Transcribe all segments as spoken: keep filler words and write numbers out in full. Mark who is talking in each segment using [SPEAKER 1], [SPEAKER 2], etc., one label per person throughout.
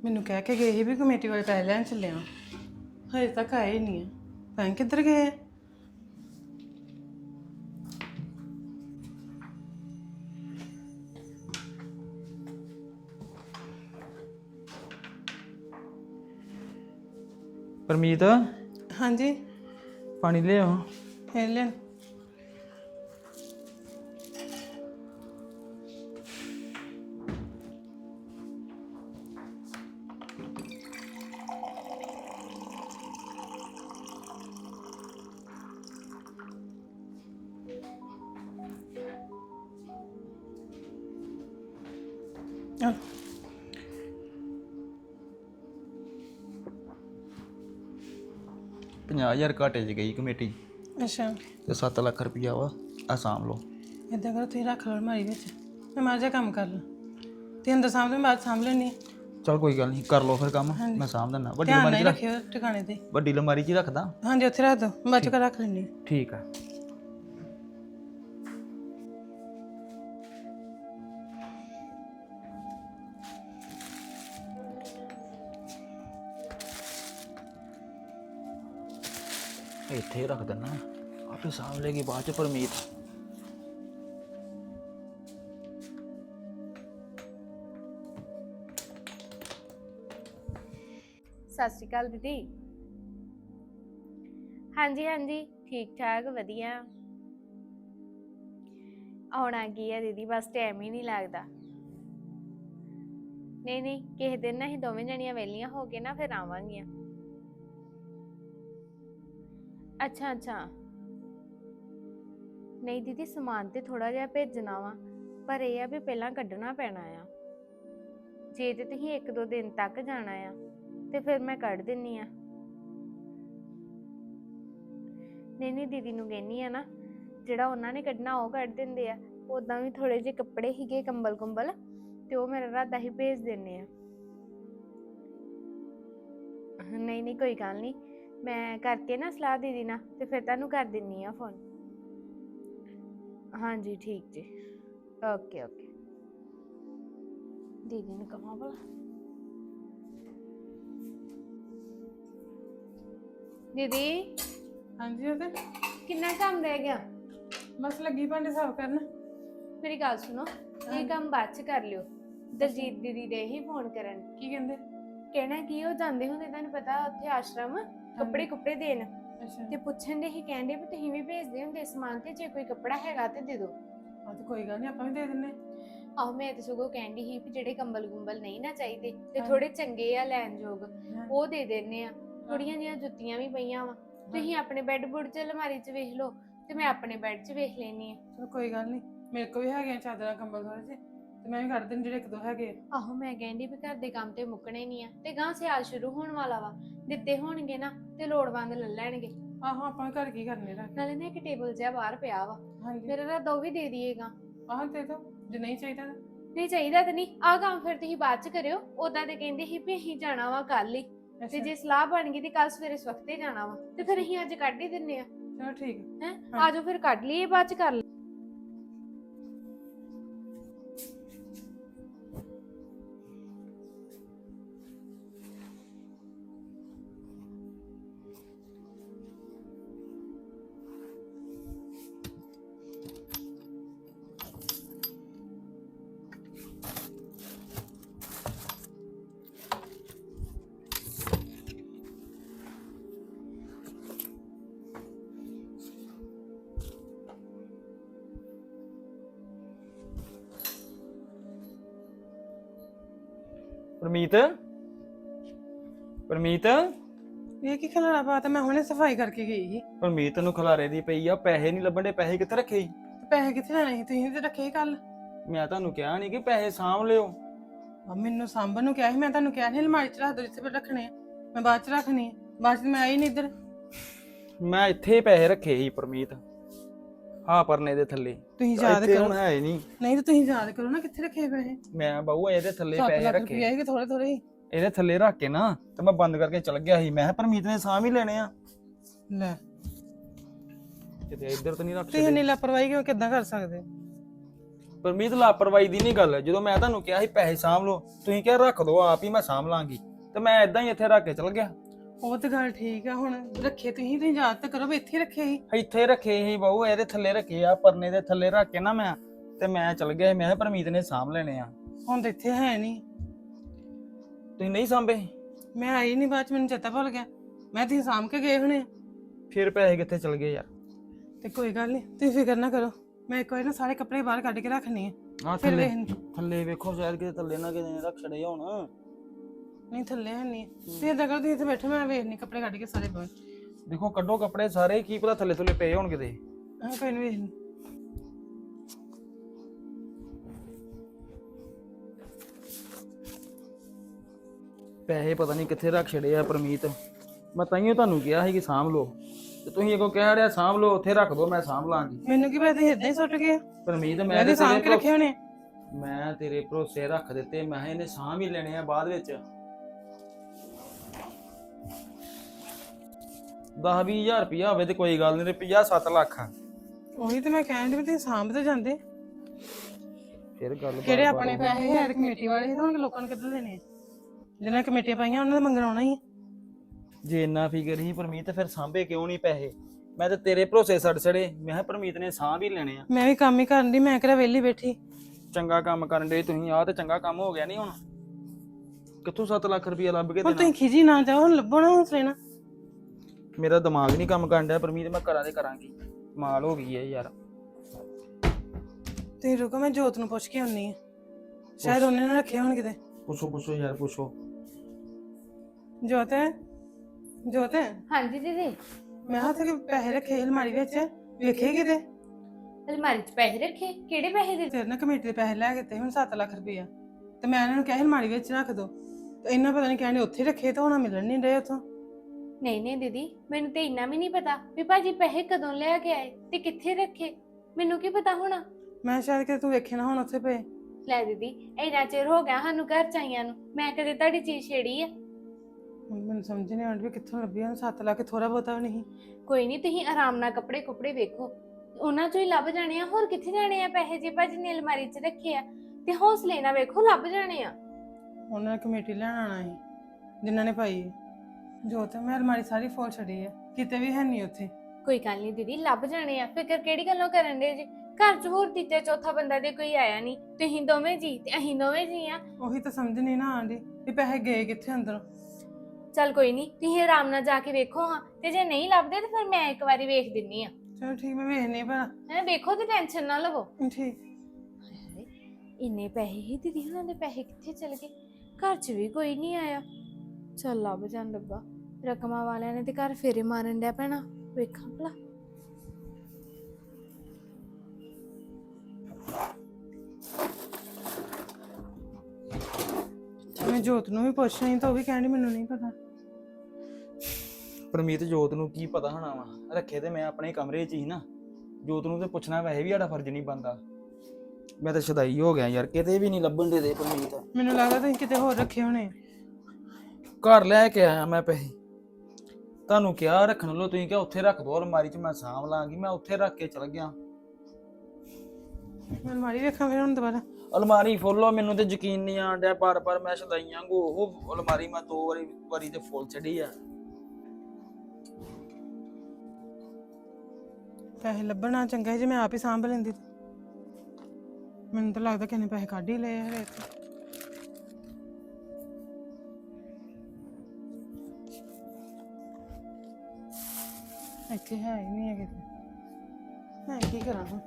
[SPEAKER 1] ਮੈਨੂੰ ਕਹਿ ਕੇ ਗਏ ਸੀ ਵੀ ਕਮੇਟੀ ਵਾਲੇ ਪੈਸੇ ਲੈਣ ਚੱਲੇ ਆ। ਹਜੇ ਤੱਕ ਆਏ ਹੀ ਨਹੀਂ ਆ। ਪੈਸੇ ਕਿੱਧਰ ਗਏ ਆ?
[SPEAKER 2] ਪਰਮੀਤ
[SPEAKER 1] ਹਾਂਜੀ
[SPEAKER 2] ਪਾਣੀ ਲਿਆਓ।
[SPEAKER 1] ਫੇਰ ਲੈਣ। ਚਲ
[SPEAKER 2] ਪੰਜਾਹ ਹਜ਼ਾਰ ਘਾਟੇ 'ਚ ਗਈ ਕਮੇਟੀ
[SPEAKER 1] ਅੱਛਾ
[SPEAKER 2] ਤੇ ਸੱਤ ਲੱਖ ਰੁਪਈਆ ਵਾ ਆ ਸਾਂਭ ਲਓ।
[SPEAKER 1] ਇੱਦਾਂ ਕਰੋ ਤੁਸੀਂ ਰੱਖ ਲਓ ਅਲਮਾਰੀ ਵਿੱਚ, ਮੈਂ ਮਾੜਾ ਜਿਹਾ ਕੰਮ ਕਰ ਲਾਂ ਤੇ ਅੰਦਰ ਸਾਂਭ ਮੈਂ ਬਾਅਦ ਸਾਂਭ ਲੈਣੀ।
[SPEAKER 2] ਚਲ ਕੋਈ ਗੱਲ ਨਹੀਂ, ਕਰ ਲਓ ਫਿਰ ਕੰਮ, ਮੈਂ ਸਾਂਭ ਦਿੰਦਾ। ਵੱਡੀ
[SPEAKER 1] ਧਿਆਨ
[SPEAKER 2] ਅਲਮਾਰੀ
[SPEAKER 1] ਨਾਲ
[SPEAKER 2] 'ਚ ਰੱਖ,
[SPEAKER 1] ਰੱਖਿਓ ਟਿਕਾਣੇ ਤੇ।
[SPEAKER 2] ਵੱਡੀ ਅਲਮਾਰੀ 'ਚ ਹੀ ਰੱਖਦਾ।
[SPEAKER 1] ਹਾਂਜੀ ਉੱਥੇ ਰੱਖ ਦਿਓ, ਬਾਅਦ ਚ ਰੱਖ ਲੈਣੀ।
[SPEAKER 2] ਠੀਕ ਆ। ਇੱਥੇ ਹੀ ਰੱਖ ਦਿੰਦਾ, ਆਪੇ ਸਾਂਭ ਲੇਗੀ ਬਾਅਦ ਚ ਪਰਮੀਤ।
[SPEAKER 3] ਸਤਿ ਸ਼੍ਰੀ ਅਕਾਲ ਦੀਦੀ। ਹਾਂਜੀ ਹਾਂਜੀ ਠੀਕ ਠਾਕ ਵਧੀਆ। ਆਉਣਾ ਕੀ ਹੈ ਦੀਦੀ, ਬਸ ਟਾਈਮ ਹੀ ਨਹੀਂ ਲੱਗਦਾ। ਨਹੀਂ ਨਹੀਂ ਕਿਸੇ ਦਿਨ ਨਾ ਅਸੀਂ ਦੋਵੇਂ ਜਣੀਆਂ ਵਿਹਲੀਆਂ ਹੋ ਕੇ ਨਾ ਫਿਰ ਆਵਾਂਗੀਆਂ। ਅੱਛਾ ਅੱਛਾ ਨਹੀਂ ਦੀਦੀ ਸਮਾਨ ਤੇ ਥੋੜਾ ਜਿਹਾ ਭੇਜਣਾ ਵਾ, ਪਰ ਇਹ ਆ ਵੀ ਪਹਿਲਾਂ ਕੱਢਣਾ ਪੈਣਾ ਆ। ਜੇ ਤੇ ਤੁਸੀਂ ਇੱਕ ਦੋ ਦਿਨ ਤੱਕ ਜਾਣਾ ਆ ਤੇ ਫਿਰ ਮੈਂ ਕੱਢ ਦਿੰਨੀ ਆ। ਨਹੀਂ ਨਹੀਂ ਦੀਦੀ ਨੂੰ ਕਹਿੰਨੀ ਆ ਨਾ, ਜਿਹੜਾ ਉਹਨਾਂ ਨੇ ਕੱਢਣਾ ਉਹ ਕੱਢ ਦਿੰਦੇ ਆ। ਉਦਾਂ ਵੀ ਥੋੜੇ ਜਿਹੇ ਕੱਪੜੇ ਹੀਗੇ ਕੰਬਲ ਕੁੰਬਲ, ਤੇ ਉਹ ਮੇਰਾ ਰਾਦਾ ਹੀ ਭੇਜ ਦਿੰਨੇ ਆ। ਨਹੀਂ ਨਹੀਂ ਕੋਈ ਗੱਲ ਨਹੀਂ, ਮੈਂ ਕਰਕੇ ਨਾ ਸਲਾਹ ਦੀਦੀ ਨਾਲ ਤੇ ਫਿਰ ਤੁਹਾਨੂੰ ਕਰ ਦਿੰਨੀ ਆ ਫੋਨ। ਹਾਂਜੀ ਠੀਕ ਜੀ, ਓਕੇ ਓਕੇ। ਦੀਦੀ ਨੂੰ ਕਹਾਂ ਭਲਾ। ਦੀਦੀ
[SPEAKER 1] ਹਾਂਜੀ ਉਹਦੇ
[SPEAKER 3] ਕਿੰਨਾ ਕੰਮ ਰਹਿ ਗਿਆ?
[SPEAKER 1] ਬਸ ਲੱਗੀ ਭਾਂਡੇ ਸਾਫ਼ ਕਰਨ।
[SPEAKER 3] ਮੇਰੀ ਗੱਲ ਸੁਣੋ, ਇਹ ਕੰਮ ਬਾਅਦ ਚ ਕਰ ਲਿਓ। ਦਲਜੀਤ ਦੀਦੀ ਦੇ ਹੀ ਫੋਨ ਕਰਨ।
[SPEAKER 1] ਕੀ ਕਹਿੰਦੇ?
[SPEAKER 3] ਕਹਿਣਾ ਕੀ ਉਹ ਜਾਂਦੇ ਹੁੰਦੇ ਤੁਹਾਨੂੰ ਪਤਾ ਉੱਥੇ ਆਸ਼ਰਮ ਕੱਪੜੇ ਕੁੱਪੜੇ ਦੇਣ,
[SPEAKER 1] ਅੱਛਾ
[SPEAKER 3] ਤੇ ਪੁੱਛਣ ਦੇ ਹੀ ਕਹਿੰਦੇ ਵੀ ਤੁਸੀਂ ਵੀ ਭੇਜਦੇ ਹੁੰਦੇ ਸਮਾਨ, ਤੇ ਜੇ ਕੋਈ ਕੱਪੜਾ ਹੈਗਾ ਤੇ ਦੇ ਦਿਓ।
[SPEAKER 1] ਆ ਤੇ ਕੋਈ ਗੱਲ ਨਹੀਂ, ਆਪਾਂ ਵੀ ਦੇ ਦਿੰਨੇ।
[SPEAKER 3] ਆਹੋ ਮੈਂ ਤੇ ਸਗੋਂ ਕਹਿੰਦੀ ਸੀ ਵੀ ਜਿਹੜੇ ਕੰਬਲ ਕੁੰਬਲ ਨਹੀਂ ਨਾ ਚਾਹੀਦੇ ਤੇ ਥੋੜੇ ਚੰਗੇ ਆ ਲੈਣ ਯੋਗ, ਉਹ ਦੇ ਦਿੰਨੇ ਆ। ਥੋੜੀਆਂ ਜਿਹੀਆਂ ਜੁੱਤੀਆਂ ਵੀ ਪਈਆਂ ਵਾ, ਤੁਸੀਂ ਆਪਣੇ ਬੈੱਡ ਬੁੱਡ ਚ ਅਲਮਾਰੀ ਚ ਵੇਖ ਲਓ ਤੇ ਮੈਂ ਆਪਣੇ ਬੈੱਡ ਚ ਵੇਖ ਲੈਣੀ ਆ।
[SPEAKER 1] ਚਲੋ ਕੋਈ ਗੱਲ ਨਹੀਂ, ਮੇਰੇ ਕੋਲ ਵੀ ਹੈਗੇ ਚਾਦਰਾਂ ਕੰਬਲ ਥੋੜੇ ਜਿਹੇ, ਤੇ ਮੈਂ ਵੀ ਕੱਢ ਦਿੰਦੀ ਜਿਹੜੇ ਇੱਕ ਦੋ ਹੈਗੇ ਆ।
[SPEAKER 3] ਆਹੋ ਮੈਂ ਕਹਿੰਦੀ ਵੀ ਘਰ ਦੇ ਕੰਮ ਤੇ ਮੁੱਕਣੇ ਨਹੀਂ ਆ, ਤੇ ਗਾਂ ਸਿਆਲ ਸ਼ੁਰੂ ਹੋਣ ਵਾਲਾ ਵਾ, ਦਿੱਤੇ ਹੋਣਗੇ ਨਾ ਤੇ ਲੋੜਵੰਦ ਲੈ ਲੈਣਗੇ।
[SPEAKER 1] ਆਹੋ ਆਪਾਂ ਘਰ ਕੀ ਕਰਨੇ ਰੱਖ।
[SPEAKER 3] ਨਾਲੇ ਨਾ ਇੱਕ ਟੇਬਲ ਜਿਹਾ ਬਾਹਰ ਪਿਆ ਵਾ,
[SPEAKER 1] ਹਾਂਜੀ
[SPEAKER 3] ਮੇਰਾ ਰਾਦਾ ਉਹ ਵੀ ਦੇ ਦਈਏਗਾ।
[SPEAKER 1] ਆਹ ਦੇ ਦੋ, ਜੇ ਨਹੀਂ ਚਾਹੀਦਾ ਤਾਂ।
[SPEAKER 3] ਨਹੀਂ ਚਾਹੀਦਾ ਤੇ ਨਹੀਂ, ਆਹ ਕੰਮ ਫਿਰ ਤੁਸੀਂ ਬਾਅਦ ਚ ਕਰਿਓ। ਉਦਾਂ ਤੇ ਕਹਿੰਦੇ ਸੀ ਵੀ ਅਸੀਂ ਜਾਣਾ ਵਾ ਕੱਲ ਹੀ, ਤੇ ਜੇ ਸਲਾਹ ਬਣ ਗਈ ਤੇ ਕੱਲ ਸਵੇਰੇ ਸਵਖਤੇ ਜਾਣਾ ਵਾ, ਤੇ ਫਿਰ ਅਸੀਂ ਅੱਜ ਕੱਢ ਹੀ ਦਿੰਨੇ ਆ।
[SPEAKER 1] ਚਲੋ ਠੀਕ
[SPEAKER 3] ਹੈ, ਆਜੋ ਫਿਰ ਕੱਢ ਲਈਏ, ਬਾਅਦ ਚ ਕਰ।
[SPEAKER 2] ਪਰਮੀਤ ਪਰਮੀਤ
[SPEAKER 1] ਇਹ ਕੀ ਖਲਾਰਾ ਪਾਤਾ? ਮੈਂ ਹੁਣੇ ਸਫਾਈ ਕਰਕੇ ਗਈ ਸੀ।
[SPEAKER 2] ਪਰਮੀਤ ਨੂੰ ਖਲਾਰੇ ਦੀ ਪਈ ਆ, ਪੈਸੇ ਨਹੀਂ ਲੱਭਣ ਦੇ। ਪੈਸੇ ਕਿੱਥੇ ਰੱਖੇ ਸੀ?
[SPEAKER 1] ਤੇ ਪੈਸੇ ਕਿੱਥੇ ਲੈਣੇ ਸੀ? ਤੁਸੀਂ ਤੇ ਰੱਖੇ ਕੱਲ।
[SPEAKER 2] ਮੈਂ ਤੁਹਾਨੂੰ ਕਿਹਾ ਨਹੀਂ ਕਿ ਪੈਸੇ ਸਾਂਭ ਲਿਓ।
[SPEAKER 1] ਮੈਨੂੰ ਸਾਂਭਣ ਨੂੰ ਕਿਹਾ ਸੀ, ਮੈਂ ਤੁਹਾਨੂੰ ਕਿਹਾ ਸੀ ਅਲਮਾਰੀ ਚ ਰੱਖ ਦੋ ਜਿੱਥੇ ਰੱਖਣੇ ਆ, ਮੈਂ ਬਾਅਦ ਚ ਰੱਖਣੀ ਆ। ਬਾਅਦ ਚ ਮੈਂ ਆਈ ਨਹੀਂ ਇੱਧਰ।
[SPEAKER 2] ਮੈਂ ਇੱਥੇ ਪੈਸੇ ਰੱਖੇ ਸੀ ਪਰਮੀਤ, ਹਾਂ ਪਰਨੇ ਦੇ ਥੱਲੇ।
[SPEAKER 1] ਤੁਸੀਂ ਯਾਦ
[SPEAKER 2] ਇੱਥੇ
[SPEAKER 1] ਕਰੋ।
[SPEAKER 2] ਹੁਣ ਹੈ ਨਹੀਂ।
[SPEAKER 1] ਨਹੀਂ ਤਾਂ ਤੁਸੀਂ ਯਾਦ ਕਰੋ ਨਾ ਕਿੱਥੇ ਰੱਖੇ ਪੈਸੇ।
[SPEAKER 2] ਮੈਂ ਬਾਹੂ ਇਹਦੇ ਥੱਲੇ
[SPEAKER 1] ਸੱਤ
[SPEAKER 2] ਪੈਸੇ
[SPEAKER 1] ਲੱਖ
[SPEAKER 2] ਰੱਖੇ,
[SPEAKER 1] ਰੁਪਏ ਆਏ ਥੋੜੇ ਥੋੜੇ।
[SPEAKER 2] ਇਹਦੇ ਥੱਲੇ ਰੱਖ ਕੇ ਨਾ ਤੇ ਮੈਂ ਬੰਦ ਕਰਕੇ ਚਲ ਗਿਆ ਸੀ। ਮੈਂ ਕਿਹਾ ਪਰਮੀਤ ਨੇ ਸਾਂਭ ਹੀ ਲੈਣੇ ਆ।
[SPEAKER 1] ਲੈ
[SPEAKER 2] ਕਿਤੇ ਇੱਧਰ ਤਾਂ ਨਹੀਂ ਰੱਖ
[SPEAKER 1] ਤੁਸੀਂ ਇੰਨੀ ਲਾਪਰਵਾਹੀ ਕਿਉਂ ਕਿੱਦਾਂ ਕਰ ਸਕਦੇ?
[SPEAKER 2] ਪਰਮੀਤ ਲਾਪਰਵਾਹੀ ਦੀ ਨਹੀਂ ਗੱਲ, ਜਦੋਂ ਮੈਂ ਤੁਹਾਨੂੰ ਕਿਹਾ ਸੀ ਪੈਸੇ ਸਾਂਭ ਲਓ, ਤੁਸੀਂ ਕਿਹਾ ਰੱਖ ਦੋ ਆਪ ਹੀ ਮੈਂ ਸਾਂਭ ਲਾਂਗੀ, ਤੇ ਮੈਂ ਇਦਾਂ ਹੀ ਇੱਥੇ ਰੱਖ ਕੇ ਚਲ ਗਿਆ।
[SPEAKER 1] ਉਹ ਤਾਂ ਗੱਲ ਠੀਕ ਆ, ਹੁਣ ਰੱਖੇ ਤੁਸੀਂ ਤੁਸੀਂ ਯਾਦ ਤਾਂ ਕਰੋ ਵੀ ਇੱਥੇ ਰੱਖੇ ਸੀ।
[SPEAKER 2] ਇੱਥੇ ਰੱਖੇ ਸੀ ਬਾਊ, ਇਹਦੇ ਥੱਲੇ ਰੱਖੇ ਆ, ਪਰਨੇ ਦੇ ਥੱਲੇ ਰੱਖ ਕੇ ਨਾ ਮੈਂ ਤੇ ਮੈਂ ਚਲ ਗਿਆ ਸੀ। ਮੈਂ ਕਿਹਾ ਪਰਮੀਤ ਨੇ ਸਾਂਭ ਲੈਣੇ ਆ।
[SPEAKER 1] ਹੁਣ ਤਾਂ ਇੱਥੇ ਹੈ ਨਹੀਂ।
[SPEAKER 2] ਤੁਸੀਂ ਨਹੀਂ ਸਾਂਭੇ?
[SPEAKER 1] ਮੈਂ ਆਈ ਨਹੀਂ, ਬਾਅਦ ਚ ਮੈਨੂੰ ਚੇਤਾ ਭੁੱਲ ਗਿਆ। ਮੈਂ ਤੁਸੀਂ ਸਾਂਭ ਕੇ ਗਏ ਹੋਣੇ।
[SPEAKER 2] ਫਿਰ ਪੈਸੇ ਕਿੱਥੇ ਚਲ ਗਏ ਯਾਰ?
[SPEAKER 1] ਤੇ ਕੋਈ ਗੱਲ ਨਹੀਂ, ਤੁਸੀਂ ਫਿਕਰ ਨਾ ਕਰੋ, ਮੈਂ ਇੱਕ ਵਾਰੀ ਨਾ ਸਾਰੇ ਕੱਪੜੇ ਬਾਹਰ ਕੱਢ ਕੇ ਰੱਖਣੇ ਆ।
[SPEAKER 2] ਆ
[SPEAKER 1] ਫਿਰ
[SPEAKER 2] ਥੱਲੇ
[SPEAKER 1] ਵੇਖ,
[SPEAKER 2] ਥੱਲੇ ਵੇਖੋ ਸ਼ਾਇਦ ਕਿਤੇ ਥੱਲੇ ਨਾ ਕਿਤੇ ਰੱਖ ਛੜੇ ਹੋਣ।
[SPEAKER 1] ਨਹੀਂ ਥੱਲੇ ਹੈ ਨਹੀਂ। ਤੁਸੀਂ ਏਦਾਂ ਕਰੋ, ਤੁਸੀਂ ਇੱਥੇ ਬੈਠੋ, ਮੈਂ ਵੇਖਣੀ ਕੱਪੜੇ ਕੱਢ ਕੇ ਸਾਰੇ ਬਾਹਰ।
[SPEAKER 2] ਦੇਖੋ ਕੱਢੋ ਕੱਪੜੇ ਸਾਰੇ, ਕੀ ਪਤਾ ਥੱਲੇ ਥੱਲੇ ਪਏ ਹੋਣ ਕਿਤੇ।
[SPEAKER 1] ਹਾਂ ਕੋਈ ਨਹੀਂ, ਵੇਖਣੀ।
[SPEAKER 2] ਪੈਸੇ ਪਤਾ ਨਹੀਂ ਕਿੱਥੇ ਰੱਖ ਛੜੇ ਆ ਪਰਮੀਤ। ਮੈਂ ਤਾਈਓ ਤੁਹਾਨੂੰ ਕਿਹਾ ਸੀ ਕਿ ਸਾਂਭ ਲਓ, ਤੇ ਤੁਸੀਂ ਅੱਗੋਂ ਕਹਿ ਰਿਹਾ ਸਾਂਭ ਲਓ, ਉੱਥੇ ਰੱਖ ਦੋ ਮੈਂ ਸਾਂਭ ਲਾਂਗੀ।
[SPEAKER 1] ਮੈਨੂੰ ਕੀ ਪਤਾ ਤੁਸੀਂ ਏਦਾਂ ਹੀ ਸੁੱਟ ਗਏ।
[SPEAKER 2] ਪਰਮੀਤ ਮੈਂ
[SPEAKER 1] ਮੈਂ
[SPEAKER 2] ਤੇ
[SPEAKER 1] ਤਾਂ ਸਾਂਭ ਕੇ
[SPEAKER 2] ਤੇਰੇ
[SPEAKER 1] ਰੱਖੇ ਹੋਣੇ।
[SPEAKER 2] ਮੈਂ ਤੇਰੇ ਭਰੋਸੇ ਰੱਖ ਦਿੱਤੇ, ਮੈਂ ਕਿਹਾ ਇਹਨੇ ਸਾਂਭ ਹੀ ਲੈਣੇ ਆ ਬਾਅਦ ਵਿੱਚ। ਦਸ ਵੀਹ ਹਜ਼ਾਰ ਰੁਪਇਆ ਹੋਵੇ ਤੇ ਕੋਈ ਗੱਲ ਨਹੀਂ, ਰੁਪਇਆ ਸੱਤ ਲੱਖ ਆ।
[SPEAKER 1] ਉਹੀ ਤੇ ਮੈਂ ਕਹਿਣ ਦੀ ਵੀ ਤੁਸੀਂ ਸਾਂਭ ਤੇ ਜਾਂਦੇ।
[SPEAKER 2] ਫਿਰ ਗੱਲ
[SPEAKER 1] ਕਿਹੜੇ ਆਪਣੇ ਪੈਸੇ ਹੈ ਕਮੇਟੀ ਵਾਲੇ ਸੀ, ਹੁਣ ਲੋਕਾਂ ਨੂੰ ਕਿੱਦਾਂ ਦੇਣੇ? ਜਿਹਨਾਂ ਕਮੇਟੀਆਂ ਪਾਈਆਂ ਉਹਨਾਂ ਦਾ ਮੰਗਣ ਆਉਣਾ ਹੀ।
[SPEAKER 2] ਜੇ ਇੰਨਾ ਫਿਕਰ ਹੀ ਪਰਮੀਤ ਫਿਰ ਸਾਂਭੇ ਕਿਉਂ ਨਹੀਂ ਪੈਸੇ? ਮੈਂ ਤਾਂ ਤੇਰੇ ਭਰੋਸੇ ਛੱਡ ਛੜੇ, ਮੈਂ ਕਿਹਾ ਪਰਮੀਤ ਨੇ ਸਾਂਭ ਹੀ ਲੈਣੇ ਆ।
[SPEAKER 1] ਮੈਂ ਵੀ ਕੰਮ ਹੀ ਕਰਨ ਦੀ, ਮੈਂ ਕਿਹੜਾ ਵਿਹਲੀ ਬੈਠੀ।
[SPEAKER 2] ਚੰਗਾ ਕੰਮ ਕਰਨ ਦੇ ਤੁਸੀਂ, ਆਹ ਤੇ ਚੰਗਾ ਕੰਮ ਹੋ ਗਿਆ ਨਹੀਂ ਹੁਣ। ਕਿੱਥੋਂ ਸੱਤ ਲੱਖ ਰੁਪਇਆ ਲੱਭ ਕੇ
[SPEAKER 1] ਹੁਣ
[SPEAKER 2] ਦੇਣਾ?
[SPEAKER 1] ਤੁਸੀਂ ਖਿਜੀ ਨਾ ਜਾਓ, ਹੁਣ ਲੱਭੋ ਨਾ ਹੌਸਲੇ ਨਾਲ।
[SPEAKER 2] ਮੇਰਾ ਦਿਮਾਗ ਨਹੀਂ ਕੰਮ ਕਰਨ ਡਿਆ ਪਰਮੀਤ, ਮੈਂ ਕਰਾਂ ਤੇ ਕਰਾਂਗੀ। ਮਾਲ ਹੋ ਗਈ ਹੈ ਯਾਰ।
[SPEAKER 1] ਤੁਸੀਂ ਰੁਕੋ, ਮੈਂ ਜੋਤ ਨੂੰ ਪੁੱਛ ਕੇ ਆਉਣੀ ਆ, ਸ਼ਾਇਦ ਉਹਨੇ ਨਾ ਰੱਖੇ ਹੋਣ ਕਿਤੇ।
[SPEAKER 2] ਪੁੱਛੋ ਪੁੱਛੋ ਯਾਰ ਪੁੱਛੋ।
[SPEAKER 1] ਜੋਤ ਜੋਤ
[SPEAKER 3] ਹਾਂਜੀ ਦੀਦੀ।
[SPEAKER 1] ਮੈਂ ਹੱਥ ਕੇ ਪੈਸੇ ਰੱਖੇ ਅਲਮਾਰੀ ਵਿੱਚ, ਵੇਖੇ ਕਿਤੇ?
[SPEAKER 3] ਅਲਮਾਰੀ 'ਚ ਪੈਸੇ ਰੱਖੇ? ਕਿਹੜੇ ਪੈਸੇ ਦੇ?
[SPEAKER 1] ਤੇਰੇ ਨਾਲ ਕਮੇਟੀ ਦੇ ਪੈਸੇ ਲੈ ਕੇ ਤੇ ਹੁਣ ਸੱਤ ਲੱਖ ਰੁਪਇਆ, ਤੇ ਮੈਂ ਇਹਨਾਂ ਨੂੰ ਕਿਹਾ ਅਲਮਾਰੀ ਵਿੱਚ ਰੱਖ ਦੋ, ਤੇ ਇਹਨਾਂ ਪਤਾ ਨਹੀਂ ਕਹਿੰਦੇ ਉੱਥੇ ਰੱਖੇ, ਤਾਂ ਹੁਣ ਮਿਲਣ ਨਹੀਂ ਰਹੇ ਉੱਥੋਂ।
[SPEAKER 3] ਨਹੀਂ ਨਹੀਂ ਦੀਦੀ, ਮੈਨੂੰ ਤੇ ਇੰਨਾ ਵੀ ਨਹੀਂ ਪਤਾ ਵੀ ਭਾਜੀ ਪੈਸੇ ਕਦੋਂ ਲੈ ਕੇ ਆਏ ਤੇ ਕਿੱਥੇ ਰੱਖੇ। ਮੈਨੂੰ ਕੀ ਪਤਾ ਹੋਣਾ?
[SPEAKER 1] ਮੈਂ ਸ਼ਾਇਦ ਕਿ ਤੂੰ ਵੇਖੇ ਨਾ ਹੁਣ ਉੱਥੇ ਪਏ।
[SPEAKER 3] ਲੈ ਦੀਦੀ, ਇੰਨਾ ਚਿਰ ਹੋ ਗਿਆ ਸਾਨੂੰ ਘਰ ਚ ਆਈਆਂ ਨੂੰ, ਮੈਂ ਕਦੇ ਤੁਹਾਡੀ ਚੀਜ਼ ਛੇੜੀ ਆ?
[SPEAKER 1] ਹੁਣ ਮੈਨੂੰ ਸਮਝ ਨਹੀਂ ਆਉਂਦੀ ਵੀ ਕਿੱਥੋਂ ਲੱਭੀ ਹੁਣ ਸੱਤ ਲੱਖ, ਥੋੜਾ ਬਹੁਤਾ ਵੀ ਨਹੀਂ।
[SPEAKER 3] ਕੋਈ ਨਹੀਂ, ਤੁਸੀਂ ਆਰਾਮ ਨਾਲ ਕੱਪੜੇ ਕੁਪੜੇ ਵੇਖੋ, ਉਹਨਾਂ ਚੋਂ ਹੀ ਲੱਭ ਜਾਣੇ ਆ। ਹੋਰ ਕਿੱਥੇ ਜਾਣੇ ਆ ਪੈਸੇ? ਜੇ ਭਾਜੀ ਨੇ ਅਲਮਾਰੀ 'ਚ ਰੱਖੇ ਆ ਤੇ ਹੌਸਲੇ ਨਾਲ ਵੇਖੋ, ਲੱਭ ਜਾਣੇ ਆ।
[SPEAKER 1] ਉਹਨਾਂ ਨੇ ਕਮੇਟੀ ਲੈਣ ਆਉਣਾ ਸੀ ਜਿਨ੍ਹਾਂ ਨੇ ਪਾਈ ਹੈ। ਜੋ ਤਾਂ ਮੈਂ ਅਲਮਾਰੀ ਸਾਰੀ ਫੋਲ ਛੱਡੀ ਹੈ, ਕਿਤੇ ਵੀ ਹੈ ਨਹੀਂ ਉੱਥੇ।
[SPEAKER 3] ਕੋਈ ਗੱਲ ਨਹੀਂ ਦੀਦੀ, ਲੱਭ ਜਾਣੇ ਆ। ਫਿਕਰ ਕਿਹੜੀ ਗੱਲੋਂ ਕਰਨ ਦੇ ਜੀ? ਘਰ 'ਚ ਹੋਰ ਤੀਜਾ ਚੌਥਾ ਬੰਦਾ ਦੇ ਕੋਈ ਆਇਆ ਨਹੀਂ, ਤੁਸੀਂ ਦੋਵੇਂ ਜੀ ਤੇ ਅਸੀਂ ਦੋਵੇਂ ਜੀ ਆ।
[SPEAKER 1] ਉਹੀ ਤਾਂ ਸਮਝ ਨਹੀਂ ਨਾ ਆਉਂਦੀ ਵੀ ਪੈਸੇ ਗਏ ਕਿੱਥੇ ਅੰਦਰੋਂ।
[SPEAKER 3] ਚੱਲ ਕੋਈ ਨਹੀਂ, ਤੁਸੀਂ ਆਰਾਮ ਨਾਲ ਜਾ ਕੇ ਵੇਖੋ ਹਾਂ, ਤੇ ਜੇ ਨਹੀਂ ਲੱਭਦੇ ਤਾਂ ਫਿਰ ਮੈਂ ਇੱਕ ਵਾਰੀ ਵੇਖ ਦਿੰਨੀ ਆ।
[SPEAKER 1] ਚਲੋ ਠੀਕ, ਮੈਂ ਵੇਖਣੀ ਆ ਭਲਾ।
[SPEAKER 3] ਹੈ ਵੇਖੋ ਤੇ ਟੈਨਸ਼ਨ ਨਾ ਲਵੋ।
[SPEAKER 1] ਠੀਕ।
[SPEAKER 3] ਇੰਨੇ ਪੈਸੇ ਹੀ ਦੀਦੀ ਉਹਨਾਂ ਦੇ ਪੈਸੇ ਕਿੱਥੇ ਚਲ ਗਏ? ਘਰ 'ਚ ਵੀ ਕੋਈ ਨਹੀਂ ਆਇਆ। ਚੱਲ ਲੱਭ ਜਾਣ ਲੱਗਾ, ਰਕਮਾਂ ਵਾਲਿਆਂ ਨੇ ਤੇ ਘਰ ਫੇਰੇ ਮਾਰਨ ਡਿਆ ਪੈਣਾ। ਵੇਖਾਂ ਭਲਾ।
[SPEAKER 1] ਮੈਂ ਜੋਤ ਨੂੰ ਵੀ ਪੁੱਛ ਰਹੀ ਤਾਂ ਉਹ ਵੀ ਕਹਿੰਦੀ ਮੈਨੂੰ ਨਹੀਂ ਪਤਾ।
[SPEAKER 2] ਪਰਮੀਤ ਜੋਤ ਨੂੰ ਕੀ ਪਤਾ ਹੋਣਾ ਵਾ, ਰੱਖੇ ਤੇ ਮੈਂ ਆਪਣੇ ਕਮਰੇ 'ਚ ਹੀ ਨਾ। ਜੋਤ ਨੂੰ ਤੇ ਪੁੱਛਣਾ ਵੈਸੇ ਵੀ ਸਾਡਾ ਫਰਜ਼ ਨਹੀਂ ਬਣਦਾ। ਮੈਂ ਤਾਂ ਸ਼ਦਾਈ ਹੋ ਗਿਆ ਯਾਰ, ਕਿਤੇ ਵੀ ਨਹੀਂ ਲੱਭਣ ਦੇ ਦੇ ਪਰਮੀਤ।
[SPEAKER 1] ਮੈਨੂੰ ਲੱਗਦਾ ਤੁਸੀਂ ਕਿਤੇ ਹੋਰ ਰੱਖੇ ਹੋਣੇ।
[SPEAKER 2] ਘਰ ਲੈ ਕੇ ਆਇਆ ਮੈਂ ਪੈਸੇ, ਤੁਹਾਨੂੰ ਕਿਹਾ ਰੱਖਣ ਲੋ, ਤੁਸੀਂ ਕਿਹਾ ਉੱਥੇ ਰੱਖ ਦੋ ਅਲਮਾਰੀ 'ਚ ਮੈਂ ਸਾਂਭ ਲਾਂਗੀ। ਮੈਂ ਉੱਥੇ ਰੱਖ ਕੇ ਚਲ ਗਿਆ।
[SPEAKER 1] ਮੈਂ ਅਲਮਾਰੀ ਵੇਖਾਂ ਫਿਰ ਹੁਣ ਦੁਬਾਰਾ।
[SPEAKER 2] ਅਲਮਾਰੀ ਫੁੱਲ ਆ, ਮੈਨੂੰ ਤੇ ਯਕੀਨ ਨਹੀਂ ਆਣ ਡਿਆ। ਪਰ ਪਰ ਮੈਂ ਸ਼ਦਾਈਆਂ ਵਾਂਗੂ ਉਹ ਅਲਮਾਰੀ ਮੈਂ ਦੋ ਵਾਰੀ ਵਾਰੀ ਤੇ ਫੁੱਲ ਛੱਡੀ ਆ।
[SPEAKER 1] ਪੈਸੇ ਲੱਭਣਾ ਚੰਗਾ ਜੇ ਮੈਂ ਆਪ ਹੀ ਸਾਂਭ ਲੈਂਦੀ ਤੇ। ਮੈਨੂੰ ਤਾਂ ਲੱਗਦਾ ਕਿਸੇ ਨੇ ਪੈਸੇ ਕੱਢ ਹੀ ਲਏ ਆ ਇੱਥੇ। ਇੱਥੇ ਹੈ ਹੀ ਨਹੀਂ ਹੈ ਕਿਤੇ। ਮੈਂ ਕੀ ਕਰਾਂ ਹੁਣ?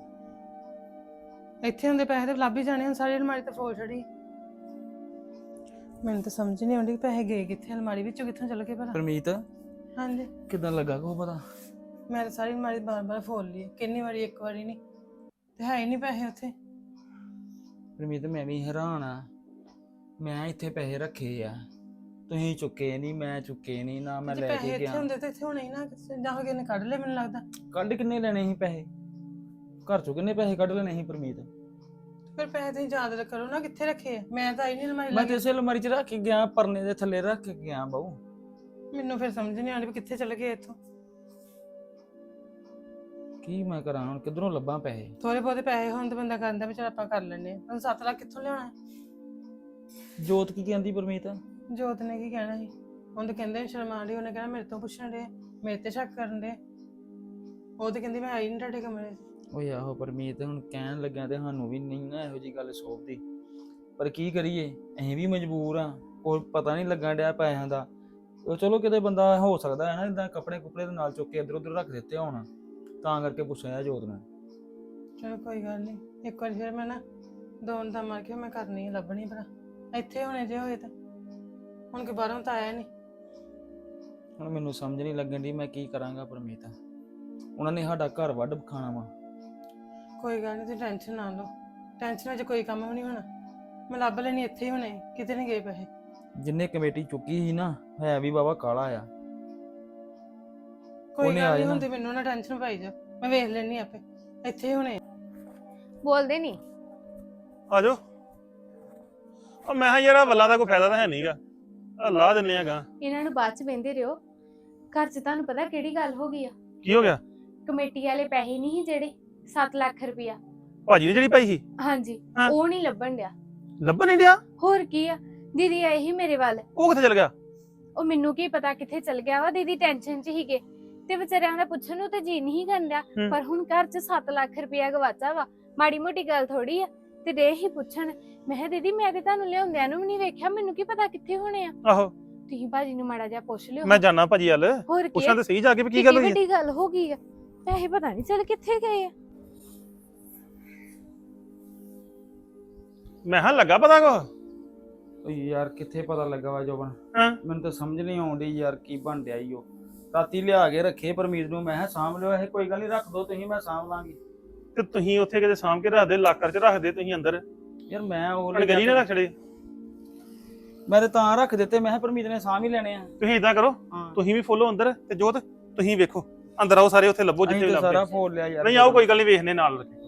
[SPEAKER 1] ਇੱਥੇ ਹੁੰਦੇ ਪੈਸੇ ਤੇ ਲੱਭ ਹੀ ਜਾਣੇ, ਹੁਣ ਸਾਰੀ ਅਲਮਾਰੀ ਤੇ ਫੋਲ ਛੜੀ। ਮੈਨੂੰ ਤਾਂ ਸਮਝ ਨਹੀਂ ਆਉਂਦੀ ਪੈਸੇ ਗਏ ਕਿੱਥੇ, ਅਲਮਾਰੀ ਵਿੱਚੋਂ ਕਿੱਥੋਂ ਚਲ ਗਏ ਭਲਾ।
[SPEAKER 2] ਪਰਮੀਤ
[SPEAKER 1] ਹਾਂਜੀ,
[SPEAKER 2] ਕਿੱਦਾਂ ਲੱਗਾ ਕੋ ਪਤਾ?
[SPEAKER 1] ਮੈਂ ਤਾਂ ਸਾਰੀ ਅਲਮਾਰੀ ਬਾਰ ਬਾਰ ਫੋਲ ਲਈ, ਕਿੰਨੀ ਵਾਰੀ, ਇੱਕ ਵਾਰੀ ਨਹੀਂ, ਤੇ ਹੈ ਹੀ ਨਹੀਂ ਪੈਸੇ ਉੱਥੇ।
[SPEAKER 2] ਪਰਮੀਤ ਮੈਂ ਵੀ ਹੈਰਾਨ ਆ, ਮੈਂ ਇੱਥੇ ਪੈਸੇ ਰੱਖੇ ਆ, ਤੁਸੀਂ ਚੁੱਕੇ ਨਹੀਂ, ਮੈਂ ਚੁੱਕੇ ਨਹੀਂ, ਨਾ ਮੈਂ ਲੈ
[SPEAKER 1] ਪੈਸੇ
[SPEAKER 2] ਕੇ
[SPEAKER 1] ਇੱਥੇ
[SPEAKER 2] ਗਿਆ।
[SPEAKER 1] ਹੁੰਦੇ ਤੇ ਇੱਥੇ ਹੋਣੇ ਹੀ ਨਾ, ਜਾਂ ਕਿਸੇ ਨੇ ਕੱਢ ਲਏ ਮੈਨੂੰ ਲੱਗਦਾ।
[SPEAKER 2] ਕੱਢ ਕਿੰਨੇ ਲੈਣੇ ਸੀ ਪੈਸੇ? ਘਰ ਚੋਂ ਕਿੰਨੇ ਪੈਸੇ ਕੱਢ ਲੈਣੇ ਸੀ ਪਰਮੀਤ?
[SPEAKER 1] ਫਿਰ ਪੈਸੇ ਤੁਸੀਂ ਯਾਦ ਕਰੋ ਨਾ ਕਿੱਥੇ ਰੱਖੇ ਆ। ਮੈਂ ਤਾਂ ਆਈ ਨਹੀਂ ਅਲਮਾਰੀ
[SPEAKER 2] ਮੈਂ
[SPEAKER 1] ਲੱਗੀ।
[SPEAKER 2] ਤੇ ਇਸੇ ਅਲਮਾਰੀ 'ਚ ਰੱਖ ਕੇ ਗਿਆ, ਪਰਨੇ ਦੇ ਥੱਲੇ ਰੱਖ ਕੇ ਗਿਆ ਬਾਊ।
[SPEAKER 1] ਮੈਨੂੰ ਫਿਰ ਸਮਝ ਨਹੀਂ ਆਉਂਦੀ ਵੀ ਕਿੱਥੇ ਚਲੇ ਗਏ ਇੱਥੋਂ।
[SPEAKER 2] ਕੀ ਮੈਂ ਕਰਾਂ ਹੁਣ, ਕਿੱਧਰੋਂ ਲੱਭਾਂ ਪੈਸੇ?
[SPEAKER 1] ਥੋੜੇ ਬਹੁਤੇ ਪੈਸੇ ਹੋਣ ਤੇ ਬੰਦਾ ਕਹਿੰਦਾ ਵੀ ਚਲ ਆਪਾਂ ਕਰ ਲੈਣੇ ਹੁਣ ਸੱਤ ਲੱਖ ਕਿੱਥੋਂ ਲਿਆਉਣਾ?
[SPEAKER 2] ਜੋਤ ਕੀ ਕਹਿੰਦੀ ਪਰਮੀਤ?
[SPEAKER 1] ਜੋਤ ਨੇ ਕੀ ਕਹਿਣਾ ਸੀ? ਉਹਨੂੰ ਤਾਂ ਕਹਿੰਦੇ ਸ਼ਰਮਾਂ ਡਈ, ਉਹਨੇ ਕਹਿਣਾ ਮੇਰੇ ਤੋਂ ਪੁੱਛਣ ਦੇ, ਮੇਰੇ ਤੇ ਸ਼ੱਕ ਕਰਨ ਦੇ। ਉਹ ਤੇ ਕਹਿੰਦੀ ਮੈਂ ਆਈ ਨਹੀਂ ਤੁਹਾਡੇ ਕਮਰੇ 'ਚ।
[SPEAKER 2] ਓਏ ਆਹੋ ਪਰਮੀਤ, ਹੁਣ ਕਹਿਣ ਲੱਗਿਆ ਤੇ ਸਾਨੂੰ ਵੀ ਨਹੀਂ ਨਾ ਇਹੋ ਜੀ ਗੱਲ ਸੋਭਦੀ, ਪਰ ਕੀ ਕਰੀਏ, ਅਸੀਂ ਵੀ ਮਜਬੂਰ ਆ। ਕੋਈ ਪਤਾ ਨਹੀਂ ਲੱਗਣ ਡਿਆ ਪੈਸਿਆਂ ਦਾ। ਉਹ ਚਲੋ ਕਿਤੇ ਬੰਦਾ ਹੋ ਸਕਦਾ ਹੈ ਨਾ ਇਦਾਂ ਕੱਪੜੇ ਕੁਪੜੇ ਦੇ ਨਾਲ ਚੁੱਕ ਕੇ ਇੱਧਰ ਉੱਧਰ ਰੱਖ ਦਿੱਤੇ ਹੋਣ, ਤਾਂ ਕਰਕੇ ਪੁੱਛਿਆ ਜੋਤ ਨੇ।
[SPEAKER 1] ਚਲੋ ਕੋਈ ਗੱਲ ਨਹੀਂ, ਇੱਕ ਵਾਰੀ ਫਿਰ ਮੈਂ ਨਾ ਦੋਨ ਦਾ ਮਾਰ ਕੇ ਮੈਂ ਕਰਨੀ ਆ, ਲੱਭਣੀ ਭਰਾ ਇੱਥੇ ਹੋਣੇ ਜੇ ਹੋਏ ਤਾਂ। ਹੁਣ ਕਿ ਬਾਹਰੋਂ ਤਾਂ ਆਇਆ ਨਹੀਂ।
[SPEAKER 2] ਹੁਣ ਮੈਨੂੰ ਸਮਝ ਨਹੀਂ ਲੱਗਣ ਦੀ ਮੈਂ ਕੀ ਕਰਾਂਗਾ ਪਰਮੀਤ। ਉਹਨਾਂ ਨੇ ਸਾਡਾ ਘਰ ਵੱਢ ਖਾਣਾ ਵਾ।
[SPEAKER 1] ਕੋਈ ਗੱਲ ਨਹੀਂ, ਤੁਸੀਂ ਟੈਨਸ਼ਨ ਨਾ ਲਓ, ਟੈਨਸ਼ਨ 'ਚ ਕੋਈ ਕੰਮ ਵੀ ਨਹੀਂ ਹੋਣਾ। ਮੈਂ ਲੱਭ ਲੈਣੀ, ਇੱਥੇ ਹੀ ਹੋਣੇ, ਕਿਤੇ ਨਹੀਂ ਗਏ ਪੈਸੇ।
[SPEAKER 2] ਜਿੰਨੇ ਕਮੇਟੀ ਚੁੱਕੀ ਸੀ ਨਾ, ਹੈ ਵੀ ਬਾਬਾ ਕਾਲਾ ਆ।
[SPEAKER 1] ਕੋਈ
[SPEAKER 2] ਉਹਨੇ
[SPEAKER 1] ਗੱਲ
[SPEAKER 2] ਆ
[SPEAKER 1] ਨਹੀਂ,
[SPEAKER 2] ਜਾਣਾ।
[SPEAKER 1] ਹੁਣ ਤੇ ਮੈਨੂੰ ਨਾ ਟੈਨਸ਼ਨ ਪਾਈ ਜਾ, ਮੈਂ ਵੇਖ ਲੈਣੀ ਆਪੇ, ਇੱਥੇ ਹੀ ਹੋਣੇ।
[SPEAKER 3] ਬੋਲਦੇ ਨਹੀਂ।
[SPEAKER 4] ਆ ਜਾਓ। ਉਹ ਮੈਂ ਕਿਹਾ ਯਾਰ ਆਹ ਵੱਲਾ ਦਾ ਕੋਈ ਫਾਇਦਾ ਤਾਂ ਹੈ ਨਹੀਂਗਾ, ਆ ਲਾ ਦਿੰਨੇ ਆਗਾ।
[SPEAKER 3] ਇਹਨਾਂ ਨੂੰ ਬਾਅਦ ਚ ਬਹਿੰਦੇ ਰਿਓ। ਘਰ ਚ ਤੁਹਾਨੂੰ ਪਤਾ ਕਿਹੜੀ ਗੱਲ ਹੋ ਗਈ ਆ?
[SPEAKER 4] ਕੀ ਹੋ ਗਿਆ?
[SPEAKER 3] ਕਮੇਟੀ ਵਾਲੇ ਪੈਸੇ ਨਹੀਂ ਸੀ ਜਿਹੜੇ ਸੱਤ ਲੱਖ ਰੁਪਇਆ,
[SPEAKER 4] ਭਾਜੀ ਨੇ ਜਿਹੜੀ ਪਾਈ ਸੀ
[SPEAKER 3] ਹਾਂਜੀ
[SPEAKER 4] ਹਾਂ।
[SPEAKER 3] ਉਹ ਨਹੀਂ ਲੱਭਣ ਡਿਆ।
[SPEAKER 4] ਲੱਭਣ ਨਹੀਂ ਡਿਆ?
[SPEAKER 3] ਹੋਰ ਕੀ ਆ, ਦੀਦੀ ਆਏ ਸੀ ਮੇਰੇ ਵੱਲ।
[SPEAKER 4] ਉਹ ਕਿੱਥੇ ਚਲ ਗਿਆ?
[SPEAKER 3] ਉਹ ਮੈਨੂੰ ਕੀ ਪਤਾ ਕਿੱਥੇ ਚਲ ਗਿਆ ਵਾ, ਦੀਦੀ ਟੈਨਸ਼ਨ ਚ ਹੀਗੇ ਤੇ ਵਿਚਾਰਿਆਂ ਦਾ ਪੁੱਛਣ ਨੂੰ ਤੇ ਜੀ ਨਹੀਂ ਕਰਦਾ।
[SPEAKER 4] ਹੂੰ।
[SPEAKER 3] ਪਰ ਹੁਣ ਘਰ ਚ ਸੱਤ ਲੱਖ ਰੁਪਇਆ ਗਵਾਚਾ ਵਾ, ਮਾੜੀ ਮੋਟੀ ਗੱਲ ਥੋੜੀ ਆ। ਤੇ ਦੇ ਹੀ ਪੁੱਛਣ, ਮੈਂ ਕਿਹਾ ਦੀਦੀ ਮੈਂ ਤੇ ਤੁਹਾਨੂੰ ਲਿਆਉਂਦਿਆਂ ਨੂੰ ਵੀ ਨਹੀਂ ਵੇਖਿਆ, ਮੈਨੂੰ ਕੀ ਪਤਾ ਕਿੱਥੇ ਹੋਣੇ ਆ।
[SPEAKER 4] ਆਹੋ
[SPEAKER 3] ਤੁਸੀਂ ਭਾਜੀ ਨੂੰ ਮਾੜਾ ਜਿਹਾ ਪੁੱਛ ਲਿਓ।
[SPEAKER 4] ਮੈਂ ਜਾਣਾ ਭਾਜੀ ਵੱਲ,
[SPEAKER 3] ਹੋਰ ਕੀ
[SPEAKER 4] ਪੁੱਛਣਾ
[SPEAKER 3] ਆ?
[SPEAKER 4] ਤੇ ਸਹੀ ਜਾ ਕੇ ਵੀ ਕੀ
[SPEAKER 3] ਕਿੱਡੀ
[SPEAKER 4] ਗੱਲ ਹੋਈ ਹੈ।
[SPEAKER 3] ਵੱਡੀ ਗੱਲ ਹੋ ਗਈ ਆ, ਪੈਸੇ ਪਤਾ ਨਹੀਂ ਚੱਲ ਕਿੱਥੇ ਗਏ ਆ।
[SPEAKER 4] ਮੈਂ ਹਾਂ ਲੱਗਾ ਪਤਾ ਕੋ?
[SPEAKER 2] ਓਏ ਯਾਰ ਕਿੱਥੇ ਪਤਾ ਲੱਗਾ ਵਾ ਜੋਬਨ,
[SPEAKER 4] ਹਾਂ
[SPEAKER 2] ਮੈਨੂੰ ਤਾਂ ਸਮਝ ਨਹੀਂ ਆਉਂਦੀ ਯਾਰ ਕੀ ਬਣ ਡਿਆ ਈ। ਉਹ ਰਾਤੀ ਲਿਆ ਕੇ ਰੱਖੇ ਪਰਮੀਤ ਨੂੰ, ਮੈਂ ਕਿਹਾ ਸਾਂਭ ਲਿਓ ਇਹ, ਕੋਈ ਗੱਲ ਨਹੀਂ ਰੱਖ ਦੋ ਤੁਸੀਂ, ਮੈਂ ਸਾਂਭ ਲਾਂਗੀ।
[SPEAKER 4] ਤੇ ਤੁਸੀਂ ਉੱਥੇ ਕਿਤੇ ਸਾਂਭ ਕੇ ਰੱਖਦੇ, ਲਾਕਰ ਚ ਰੱਖਦੇ ਤੁਸੀਂ ਅੰਦਰ,
[SPEAKER 2] ਯਾਰ ਮੈਂ ਉਹ
[SPEAKER 4] ਗਲੀ ਨਾ ਰੱਖ ਛੜੇ।
[SPEAKER 2] ਮੈਂ ਤੇ ਤਾਂ ਰੱਖ ਦਿੱਤੇ, ਮੈਂ ਕਿਹਾ ਪਰਮੀਤ ਨੇ ਸਾਂਭ ਹੀ ਲੈਣੇ ਆ।
[SPEAKER 4] ਤੁਸੀਂ ਇਦਾਂ ਕਰੋ,
[SPEAKER 2] ਹਾਂ
[SPEAKER 4] ਤੁਸੀਂ ਵੀ ਫੋਲੋ ਅੰਦਰ ਤੇ ਜੋਤ ਤੁਸੀਂ ਵੇਖੋ ਅੰਦਰ ਆਓ ਸਾਰੇ, ਉੱਥੇ ਲੱਭੋ
[SPEAKER 2] ਅਸੀਂ
[SPEAKER 4] ਜਿੱਥੇ ਵੀ
[SPEAKER 2] ਤਾਂ ਸਾਰਾ
[SPEAKER 4] ਲੱਭਦੇ।
[SPEAKER 2] ਫੋਲ ਲਿਆ ਯਾਰ।
[SPEAKER 4] ਨਹੀਂ ਆਓ ਕੋਈ ਗੱਲ ਨਹੀਂ, ਵੇਖਨੇ ਨਾਲ ਲੱਗੇ।